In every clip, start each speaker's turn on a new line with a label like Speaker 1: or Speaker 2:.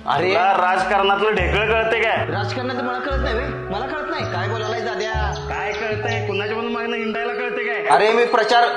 Speaker 1: अरे
Speaker 2: तुला राजकारणातलं ढेकळ कळते काय?
Speaker 1: राजकारणाचं मला कळत नाही बे. मला कळत नाही काय बोलायला दाद्या.
Speaker 2: काय कळतंय? कुणाच्या पण मागणं हिंडायला कळते काय?
Speaker 1: अरे मी प्रचार.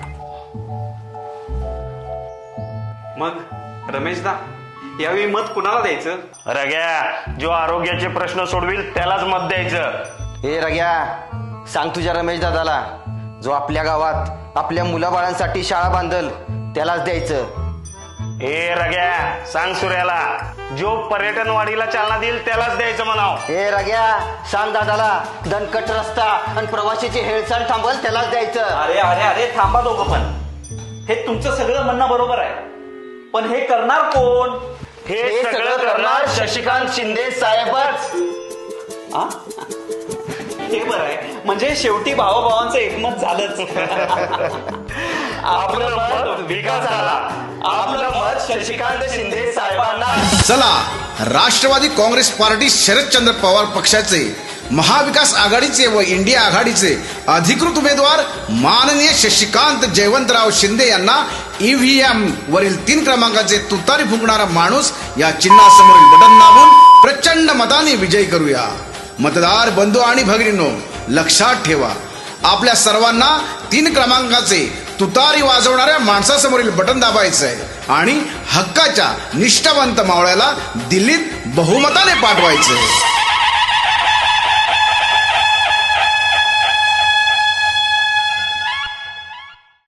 Speaker 3: मग रमेशदा यावेळी मत कुणाला द्यायचं?
Speaker 2: रग्या, जो आरोग्याचे प्रश्न सोडविल त्यालाच मत द्यायचं.
Speaker 1: ए रग्या, सांग तुझ्या रमेश दादाला, जो आपल्या गावात आपल्या मुलाबाळांसाठी शाळा बांधल त्यालाच द्यायचं.
Speaker 2: ए रग्या, सांग सूर्याला, जो पर्यटन वाढीला चालना देईल त्यालाच द्यायचं म्हणाव.
Speaker 1: ए रग्या, सांग दादाला, दणकट रस्ता आणि प्रवाशीची हेळसांड थांबल त्यालाच द्यायचं.
Speaker 4: अरे अरे अरे थांबा दोघं पण. हे तुमचं सगळं म्हणणं बरोबर आहे, पण हे करणार कोण?
Speaker 2: हे सगळं करणार शशिकांत शिंदे साहेबच.
Speaker 4: आ? हे बरं आहे, म्हणजे शेवटी भावाभावांचं एकमत झालंच.
Speaker 2: आपलं मत विकासाला, आपलं मत शशिकांत शिंदे साहेबांना.
Speaker 5: चला, राष्ट्रवादी काँग्रेस पार्टी शरदचंद्र पवार पक्षाचे, महाविकास आघाडीचे व इंडिया आघाडीचे अधिकृत उमेदवार माननीय शशिकांत जयवंतराव शिंदे यांना ईव्हीएम वरील 3 क्रमांकाचे तुतारी फुंकणारा माणूस या चिन्हासमोरील बटन दाबून प्रचंड मताने विजयी करूया. मतदार बंधू आणि भगिनींनो, लक्षात ठेवा, आपल्या सर्वांना 3 क्रमांकाचे तुतारी वाजवणाऱ्या माणसासमोरील बटन दाबायचं आहे आणि हक्काच्या निष्ठावंत मावळ्याला दिल्लीत बहुमताने पाठवायचं आहे.